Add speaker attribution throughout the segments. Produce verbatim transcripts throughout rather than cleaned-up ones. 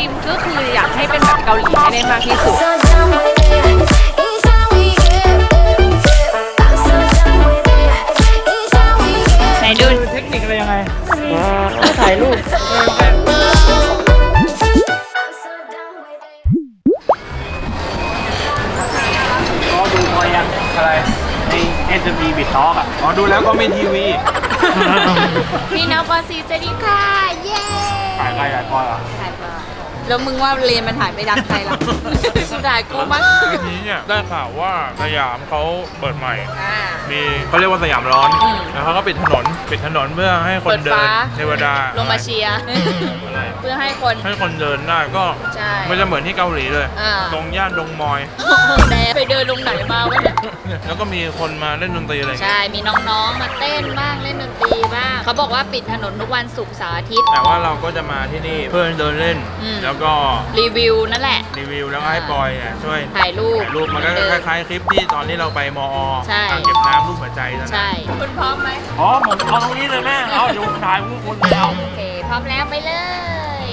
Speaker 1: มก็คืออยากให้เป็นแบบเกาหลีให้ได้มากที่สุดไหนดู
Speaker 2: เทคนิคอะไรยังไงถ่ายรูปก็ดูพอยังอะไรใน เอส เอ็ม บี บิดท็อกอ่ะอ๋อดูแล้วก็ไม่ทีวี
Speaker 1: พี่น้องปอซีสวัสดีค่ะเย้
Speaker 2: ถ่ายใครถ่ายพ่อเหรอ
Speaker 1: ถ่ายพ่อแล้วมึงว่าเลนมันถ่ายไม่ดังใครล่ะกูถ่ายกูมั้ง
Speaker 2: ทีนี้เนี่ยได้ข่าวว่าสยามเขาเปิดใหม่มีเขาเรียกว่าสยามร้อนแล้วเขาก็ปิดถนนปิดถนนเพื่อให้คนเดินเทวดา
Speaker 1: ลงมาเชียร์เพื่อให้คน
Speaker 2: ให้คนเดินได้ก็ไม่จะเหมือนที่เกาหลีเลยตรงย่านดงมอย
Speaker 1: แดไปเดินลงไหนมาวะเนี่ย
Speaker 2: แล้วก็มีคนมาเล่นดนตรีอะไร
Speaker 1: ใช่มีน้องๆมาเต้นบ้างเล่นดนตรีบ้างเขาบอกว่าปิดถนนทุกวันศุกร์เสาร์อาทิตย์
Speaker 2: แต่ว่าเราก็จะมาที่นี่เพื่อเดินเล่นแล้วก็
Speaker 1: รีวิวนั่นแหละ
Speaker 2: รีวิวแล้วให้ปอยช่วย
Speaker 1: ถ่ายรูป
Speaker 2: รูปมันก็คล้ายๆคลิปที่ตอนที่เราไปมออ่างเก็บน้ำรูปหัวใจนั่น
Speaker 1: ใช่คุณพร้อมไหม
Speaker 2: พร้อมผมเอาตรงนี้เลยแม่เอาอยู่ถ่ายมุกคนเดียว
Speaker 1: โอเคพร้อมแล้วไปเลย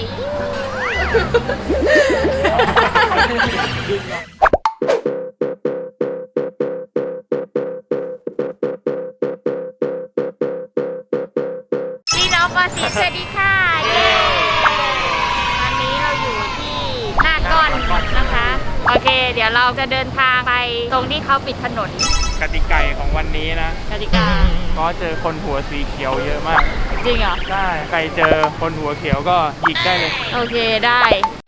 Speaker 1: พี่น้องปอซีสวัสดีค่ะเย้วันนี้เราอยู่ที่หน้าก้อนนะคะโอเคเดี๋ยวเราจะเดินทางไปตรงที่เขาปิดถนน
Speaker 2: กติกาของวันนี้นะ
Speaker 1: กติกา
Speaker 2: ก็เจอคนหัวสีเขียวเยอะมาก
Speaker 1: จริงเหรอ
Speaker 2: ใช่ใครเจอคนหัวเขียวก็หยิกได้เลย
Speaker 1: โอเคได้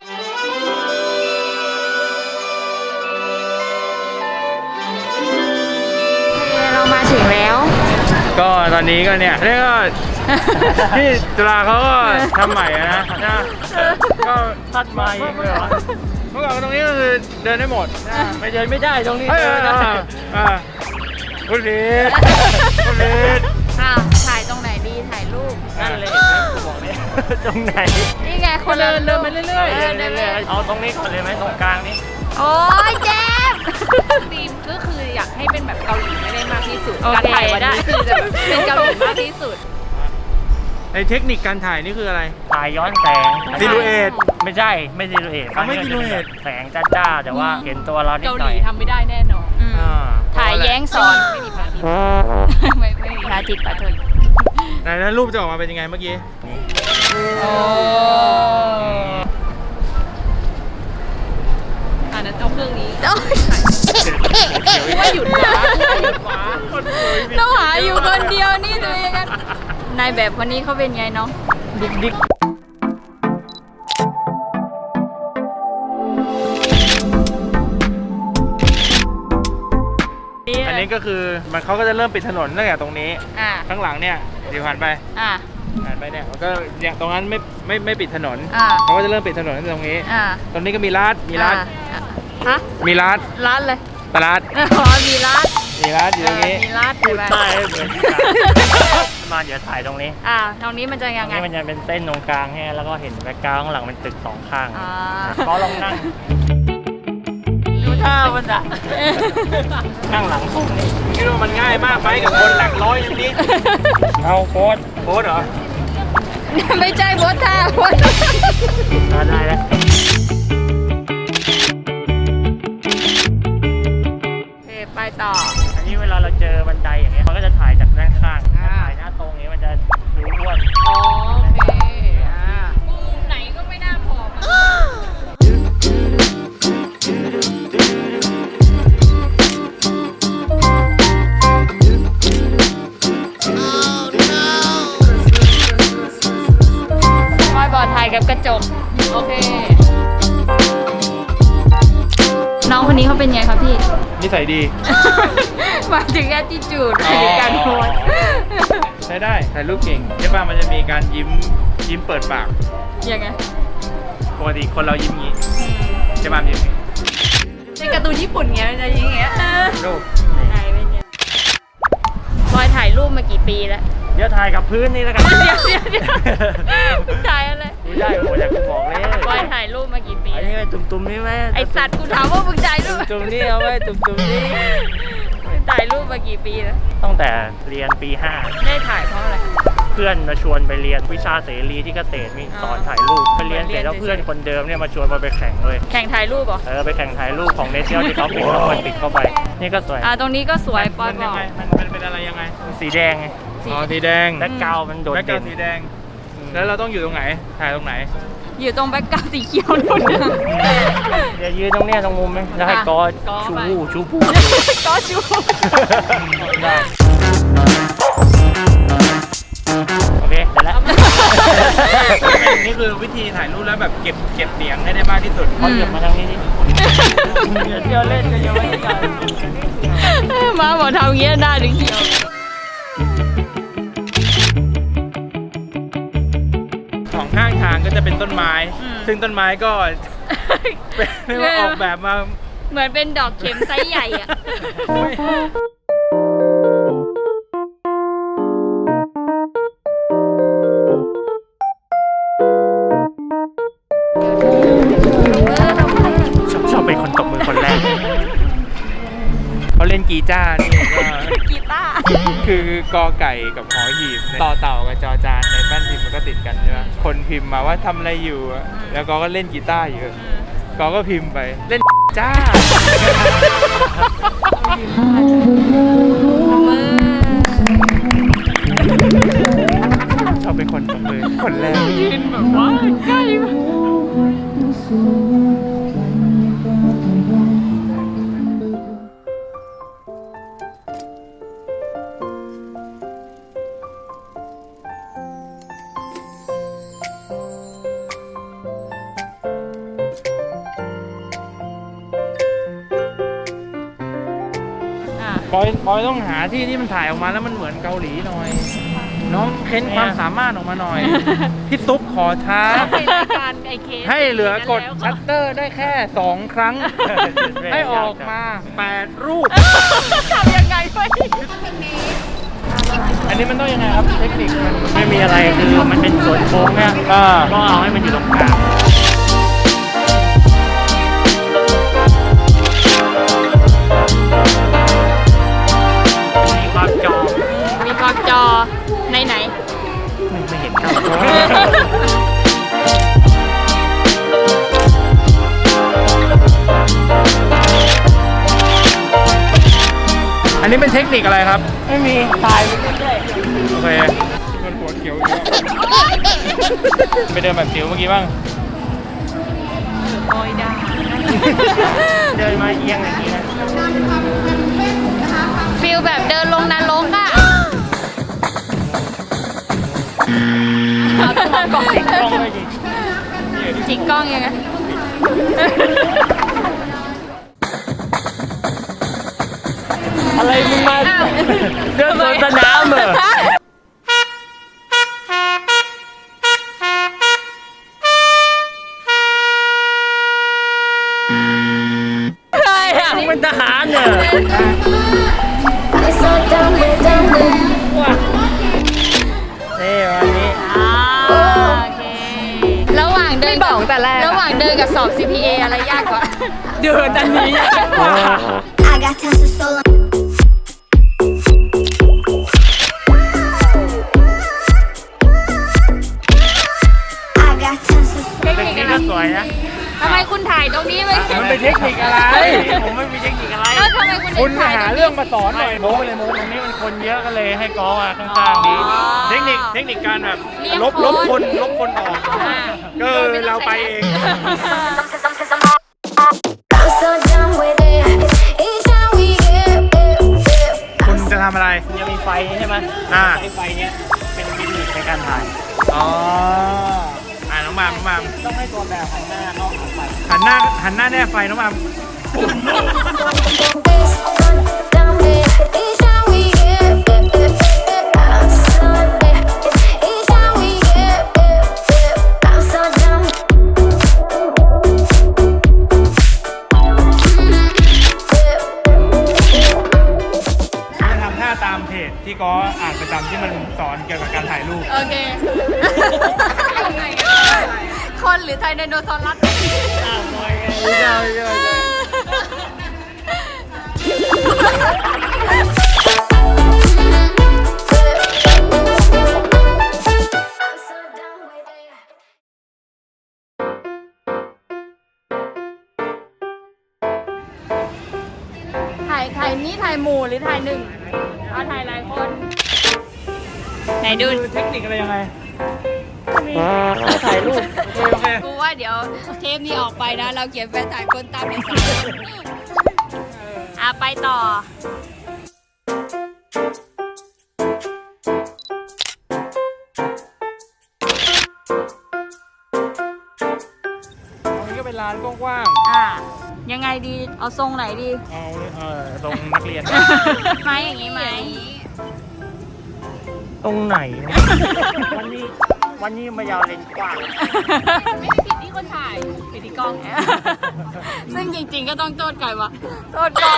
Speaker 1: เรามาถึงแล้ว
Speaker 2: ก็ตอนนี้ก็เนี่ยเรียกว่าที่จุฬาเขาก็ทำใหม่นะนะก็พัดมาเองเลยเมื่อก่อนตรงนี้ก็คือเดินได้หมดไม่เดินไม่ได้ตรงนี้เดินไม่ได้คุณลีดคุณลีด
Speaker 1: อ้าวถ่ายตรงไหนดีถ่ายรูป
Speaker 2: นั่นเลยบอกเลยตรงไหน
Speaker 1: นี่ไงคนเดินเดินไปเรื่อย
Speaker 2: ๆเดินเรื่อยๆเอาตรงนี้ก่อนเลยไหมตรงกลางนี้
Speaker 1: โอ้ยเจ็บธีมก็คืออยากให้เป็นแบบเกาหลีให้ได้มากที่สุดการถ่ายวันนี้คือจะเป็นเกาหลีมากที่สุด
Speaker 2: ในเทคนิคการถ่ายนี่คืออะไร
Speaker 3: ถ่ายย้อนแสง
Speaker 2: ซิลูเอท
Speaker 3: ไม่ใช่ไม่ซิลูเอท
Speaker 2: ไม่ซิลูเอท
Speaker 3: แสงจ้าๆแต่ว่าเห็นตัวเรานิดหน่อย
Speaker 1: เกาหลีทำไม่ได้แน่นอนถ่ายแย้งสอนไม่มีพระอาทิตย์ไม่ไม่มีพระอาทิตย์ปะเถอะ
Speaker 2: ไหนนั้นรูปจะออกมาเป็นยังไงเมื่อกี้
Speaker 1: โอ้อันนั้นเอาเครื่องนี้ไม่หยุดวะไม่หยุดวะเราหาอยู่คนเดียวนี่ตัวเองกันนายแบบคนนี้เขาเป็นไงน้องดิ๊กดิ๊ก
Speaker 2: อันนี้ก็คือมันเขาก็จะเริ่มปิดถนนตั้งแต่ตรงนี้ข้างหลังเนี่ยเดี๋ยวผ่านไปผ่านไปเนี่ยมันก็อย่างตรงนั้นไม่ไม่ไม่ปิดถนนเขาก็จะเริ่มปิดถนนตรงนี้ตรงนี้ก็มีร้านมีร้าน
Speaker 1: ฮะ
Speaker 2: มีร้าน
Speaker 1: ร้านเลย
Speaker 2: ตลาด
Speaker 1: อ๋อมีร้าน
Speaker 2: มีร้านอยู่ตรงนี้
Speaker 1: มีร้านใช่ไหม
Speaker 3: ใช่เหมือนมาเดี๋ยวถ่ายตรงนี้
Speaker 1: อ่าตรงนี้มันจะยังไง
Speaker 3: มันจะเป็นเส้นตรงกลางให้แล้วก็เห็นแบ็คกราวด์ข้างหลังเป็นตึกสองข้างก็ลองนั่ง
Speaker 1: ดูท่ามันอ่ะ
Speaker 3: ข้างหลังตรงนี้
Speaker 2: คิดว่ามันง่ายมากไหมกับคนหลักร้อยอย่างนี้
Speaker 3: เอาโค้ด
Speaker 2: โค้ดเหรอ
Speaker 1: ไม่ใช่โค้ดท่าโค้ด
Speaker 3: ได้แล้ว
Speaker 1: ไปต่อ
Speaker 3: อันนี้เวลาเราเจอบันไดอย่างเงี้ยมันก็จะถ่ายจากด้านข้างถ่ายหน้าตรงนี้มันจะดูอ้วน
Speaker 1: อ๋อโอเคอ่ามุมไหนก็ไม่น่าผอมมอยบอดถ่ายกับกระจกโอเคน้องคนนี้เขาเป็นไงครับพี่
Speaker 2: นิสัยดี
Speaker 1: หมายถึง attitude หมายถึงการโพส
Speaker 2: ใช้ได้ถ่ายรูปเก่งใช่ป่ะมันจะมีการยิ้มยิ้มเปิดปาก
Speaker 1: ยังไง
Speaker 2: ปกติคนเรายิ้มงี้ใช่ป่ะยิ้ม
Speaker 1: ในการ์ตูนญี่ปุ่นเงี้ยมันจะยิ้มอย่างเงี้ย
Speaker 2: รูป
Speaker 1: ไหนเป็นไงบอยถ่ายรูปมากี่ปีแล้ว
Speaker 3: เดี๋ยวถ่ายกับพื้นนี่แล้วกัน
Speaker 1: เดี๋ยวเดี๋ยวเดี๋ยวถ่ายอะไร
Speaker 3: ไม่ได้โอ้ยอยากจะบอกเลย
Speaker 1: บอยถ่ายรูปมากี่ปี
Speaker 3: อันนี้ไงตุ่มๆนี่ไหม
Speaker 1: ไอสัตว์กูถามว่ามึงถ่ายรูป
Speaker 3: ตุ่มๆนี่เอาไว้ตุ่มๆนี่
Speaker 1: ถ่ายรูปมากี่ปีแล้ว
Speaker 3: ตั้งแต่เรียนปีห้า
Speaker 1: ได้ถ่ายเพราะอะไร
Speaker 3: เพื่อนมาชวนไปเรียนวิชาเสรีที่เกษตรมีสอนถ่ายรูปไปเรียนเสร็จแล้วเพื่อนคนเดิมเนี่ยมาชวนมาไปแข่งเลย
Speaker 1: แข่งถ่ายรูปเหรอ
Speaker 3: เออไปแข่งถ่ายรูปของเนเชียลที่เขาปิดแล้วคนติดเข้าไปนี่ก็สวย
Speaker 1: อ่าตรงนี้ก็สวยปอย
Speaker 2: มัน
Speaker 1: บ
Speaker 2: ยั
Speaker 1: อง ก
Speaker 2: ไงมันมันเป็นอะไรยังไง
Speaker 3: สีแดงไง
Speaker 2: อ๋อสีแดง
Speaker 3: แบ็คกราวด์มันโดด
Speaker 2: แบ็คกรา
Speaker 3: เด่
Speaker 2: วน ด์สีแดง แล้วเราต้องอยู่ตรงไหนถ่ายตรงไหน
Speaker 1: อยู่ตรงแบ็คกราวด์สีเขียวนู่น
Speaker 3: เดี๋ยวยืนตรงเนี้ยตรงมุมไหมแล้วให้กอ
Speaker 1: กอ
Speaker 3: ชู
Speaker 1: ไป
Speaker 3: ชูพู
Speaker 1: ก็ชู
Speaker 3: ได้โอเคเสร็จแล้ว
Speaker 2: นี่คือวิธีถ่ายรูปแล้วแบบเก็บเก็บเสียงให้ได้มากที่สุด
Speaker 3: เขาเหยียบมาทางนี้ดิเดี๋ยวเที่ยวเล่นก็ยังไม่ได้
Speaker 1: มาบอกทำอย่างเงี้ยหน้าถึงเขียว
Speaker 2: สองข้างทางก็จะเป็นต้นไม้ ซึ่งต้นไม้ก็ เป็นเรียกว่าออกแบบมา
Speaker 1: เหมือนเป็นดอกเข็มไซส์ใหญ่อะ
Speaker 3: ชอบชอบเป็นคนตบมือคนแรก
Speaker 2: เขาเล่นกีจ้าร์นี่ก็
Speaker 1: กีตาร์
Speaker 2: คือกอไก่กับหอหีบต่อเต่ากับจอจานในแป้นพิมพ์มันก็ติดกันใช่ไหมคนพิมพ์มาว่าทำอะไรอยู่อะแล้วกอก็เล่นกีตาร์อยู่กอก็พิมพ์ไปเล่นจ้า ชอบเป็นคนตบมือคนแรก
Speaker 1: ยืนแบบว่าใกล้มาก
Speaker 2: บอยบอยต้องหาที่ที่มันถ่ายออกมาแล้วมันเหมือนเกาหลีหน่อย น้องเค้นความสามารถออกมาหน่อย พี่ซุปขอท้า
Speaker 1: เป็นรายการไอเค
Speaker 2: ให้เหลือกดชัตเตอร์ได้แค่สองครั้ง ให้ออกมาแปดรูป
Speaker 1: ทำยังไงไป
Speaker 2: อันนี้มันต้องยังไงครับเทคนิคมัน
Speaker 3: ไม่มีอะไรคือมันเป็นส่วนโค้งเนี่ย
Speaker 2: อ่า
Speaker 3: ก็เอาให้มันอยู่ตรงกลางมีความจอ
Speaker 1: มีกอกจอในไหน
Speaker 3: ไม่ไม่เห็นครับ
Speaker 2: อันนี้เป็นเทคนิคอะไรครับ
Speaker 3: ไม่มีถ่ายไปเรื่อย
Speaker 2: โอเคมันหัวเขียวอีกแล้วไปเดินแบบจิ๋วเมื่อกี้บ้าง
Speaker 1: โอ้ยได้
Speaker 3: ๆเดินมาเอียงอย่างนี้นะ
Speaker 1: ฟิลแบบเดินลงนรกอะเอาต้องมากล้อง
Speaker 3: ติดกล้องเลยดิ
Speaker 1: จิกกล้องยังไง
Speaker 3: อะไรมึงมา
Speaker 1: อ้าว
Speaker 3: เดินสวนสนามเหรอ
Speaker 1: ใครอะ
Speaker 3: มึงเป็นทหารเหรอ
Speaker 4: I'm so done with done with
Speaker 3: นี่วันนี้
Speaker 1: อ่าโอเค ระหว่างเดินบอกแต่แรกระหว่างเดินกับสอบ ซี พี เอ อะไรยากกว่า เดินอันนี้ยากกว่า
Speaker 4: I got tons of soul I got tons of
Speaker 1: เทค
Speaker 3: เป็น
Speaker 1: นิค
Speaker 3: นี่
Speaker 1: อะไร
Speaker 3: ก็สวยนะ
Speaker 1: ทำไมคุณถ่ายตรงนี้ไม่
Speaker 2: มันเป็นเทคนิคอะไร
Speaker 3: ผมไม่มีเทคนิคอะไร
Speaker 1: แล้วทำไมคุณ
Speaker 2: คุณ
Speaker 1: ถ่าย
Speaker 2: หา
Speaker 1: ต
Speaker 2: เรื่องมาสอนหน่อย
Speaker 3: โม้
Speaker 2: โม้
Speaker 3: ไป
Speaker 2: ไป
Speaker 3: เล
Speaker 2: เลย ย
Speaker 3: โม้
Speaker 2: โม้
Speaker 3: ตรงนี้มันคนเยอะก็เลยให้กอมาข้างๆนี้
Speaker 2: เทคนิคเทคนิคการแบบ
Speaker 1: เรียก
Speaker 2: ลบลบคนลบคนออก
Speaker 1: อ่า
Speaker 2: ก็เราไปเอง
Speaker 4: I'm so done with it Each time we get it
Speaker 2: คุณจะทำอะไร
Speaker 3: มันจะมีไฟใช่ไหม
Speaker 2: อ่า
Speaker 3: ไอ้ไฟเนี้ยเป็นวิธีในการถ่าย
Speaker 2: อ๋ออ่าน้องมามน้องมาม
Speaker 3: ต้องให้ตัวแบบหันหน้าเข้าหาไฟ
Speaker 2: หันหน้าหันหน้าแน่ไฟน้องมาม
Speaker 4: Done with Each time we get it I'm so dead Each time we get it I'm so done
Speaker 2: จะทำท่าตามเพจที่ก็อ่านประจำที่มันสอนเกี่ยวกับการถ่ายรูป
Speaker 1: โอเค คนหรือไทยไดโนเสาร์รัส
Speaker 3: อ้าวบอยไง
Speaker 2: ไม่ใช่ไม่ใช่ไม่ใช่
Speaker 1: ถ่ายนี้ถ่ายหมู่หรือถ่ายหนึ่งเอาถ่ายหลายคน ไหนดู
Speaker 2: คือเทคนิคอะไรยังไง
Speaker 3: ถ่ายรูป
Speaker 2: โอเค
Speaker 1: กูว่าเดี๋ยวเทปนี้ออกไปนะ เราเขียนแฟนถ่ายคนตามในสายอ่ะไปต่อ
Speaker 2: ตรงนี้ก็เป็นลานกว้าง
Speaker 1: อ่ะยังไงดี เอาทรงไหนดี
Speaker 2: ๆเอาเออตรงนักเรียน
Speaker 1: ไหมอย่างนี้ไหม
Speaker 3: ตรงไหนนะ วันนี้วันนี้มายาวเลนส์กว้าง
Speaker 1: ไม่ได้ผิดที่คนถ่ายผิดที่กล้อง ซึ่งจริงๆก็ต้องโทษใครวะโทษกล้อง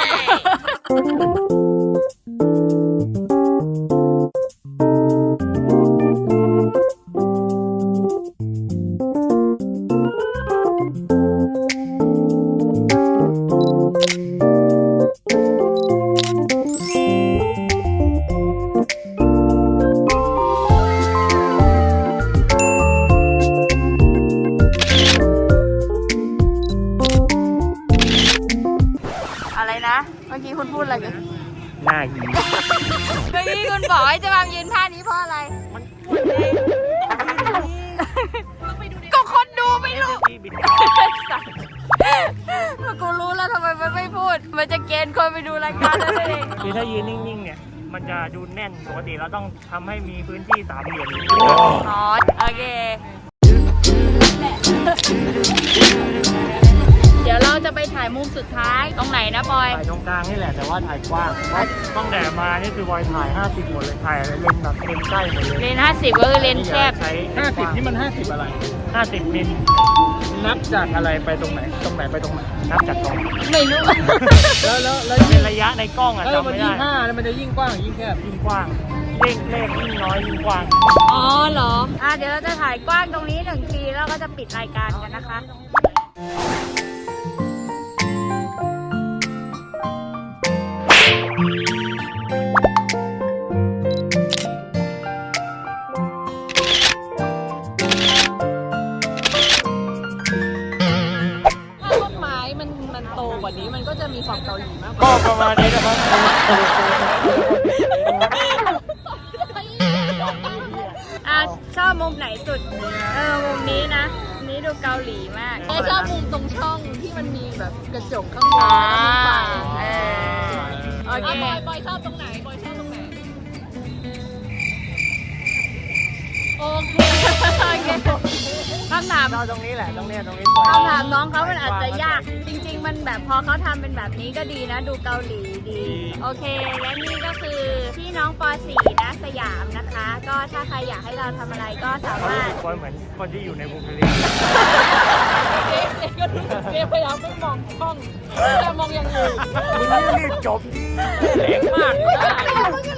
Speaker 1: อะไรนะ เมื่อกี้คุณพูดอะไรกัน
Speaker 3: หน้าหี
Speaker 1: เมื่อกี้คุณบอกให้จะมายืนท่านี้เพราะอะไร ก็คนดูไม่รู้
Speaker 3: ที่บิน
Speaker 1: กูรู้แล้วทำไมมันไม่พูด มันจะเกณฑ์คนไปดูรายการนั่นเอง
Speaker 3: คือถ้ายืนนิ่งๆเนี่ย มันจะดูแน่น ปกติเราต้องทำให้มีพื้นที่สามเหลี่ยม
Speaker 1: อ๋อ โอเค เดี๋ยวเราจะไปถ่ายมุมสุดท้ายตรงไหนนะบอย
Speaker 3: ถ่ายตรงกลางนี่แหละ แต่ว่าถ่ายกว้างเพราะต้องแต่มานี่คือบอยถ่ายห้าสิบหมดเลย ถ่ายเลนส์แบบเลนส์ใกล้หมดเลย
Speaker 1: เลนห้าสิบก็คือเลนแคบ
Speaker 3: ใช้
Speaker 2: ห้าสิบนี่มันห้าสิบอะไร
Speaker 3: ห้าสิบมิล
Speaker 2: นับจากอะไรไปตรงไหน ตรงไหนไปตรงไหน
Speaker 3: นับจากตรง
Speaker 1: ไม่รู้
Speaker 2: แล้วแล้วแล้ว
Speaker 3: เป็นระยะในกล้องอะ
Speaker 2: เออ
Speaker 3: จำ
Speaker 2: มัน
Speaker 3: ไม่
Speaker 2: ยิ่
Speaker 3: ได้
Speaker 2: งห้าแล้วมันจะยิ่งกว้างยิ่งแคบ
Speaker 3: ยิ่งกว้าง เลขเลขยิ่งน้อยยิ่งกว้าง
Speaker 1: อ๋อเหรอ อ่ะเดี๋ยวเราจะถ่ายกว้างตรงนี้หนึ่งทีแล้วก็จะปิดรายการกันนะคะ
Speaker 5: ถ้าต้นไม้มันมันโตกว่านี้มันก็จะมีความเกาหลีมากกว่า
Speaker 2: ก็ประมาณนี้นะครับ
Speaker 1: อ่ะชอบมุมไหนสุด เออ มุมนี้นะมุมนี้ดูเกาหลีมาก
Speaker 5: แต่ชอบมุมตรงช่องที่มันมีแบบกระจกข้างบน
Speaker 1: อ่า
Speaker 5: แล้วมีไฟ
Speaker 1: เออโอเค
Speaker 5: อ่ะบอยบอยชอบตรงไหนบอยชอบตรงไหน โอเค
Speaker 1: โอเคคำถาม
Speaker 3: เราตรงนี้แหละ ตรงเนี้ยตรงนี้สวย
Speaker 1: คำถามน้องเขามันอาจจะยาก จริง ๆ มันแบบพอเขาทำเป็นแบบนี้ก็ดีนะ ดูเกาหลีดี โอเค และนี่ก็คือพี่น้องป .สี่ นะสยามนะคะ ก็ถ้าใครอยากให้เราทำอะไรก็สา
Speaker 3: เขา
Speaker 1: มาร
Speaker 3: รู้
Speaker 1: ถ
Speaker 3: สึกว่าเหมือนคนที่อยู่ในบุคลิก
Speaker 5: เจ๊เจ๊ก็รู้สึกเจ๊พยายามไม่มองช่องพยายามมองอย่างอื่น
Speaker 3: มึงรีบจบดิแรงมาก
Speaker 5: ไม่ได้มึงก็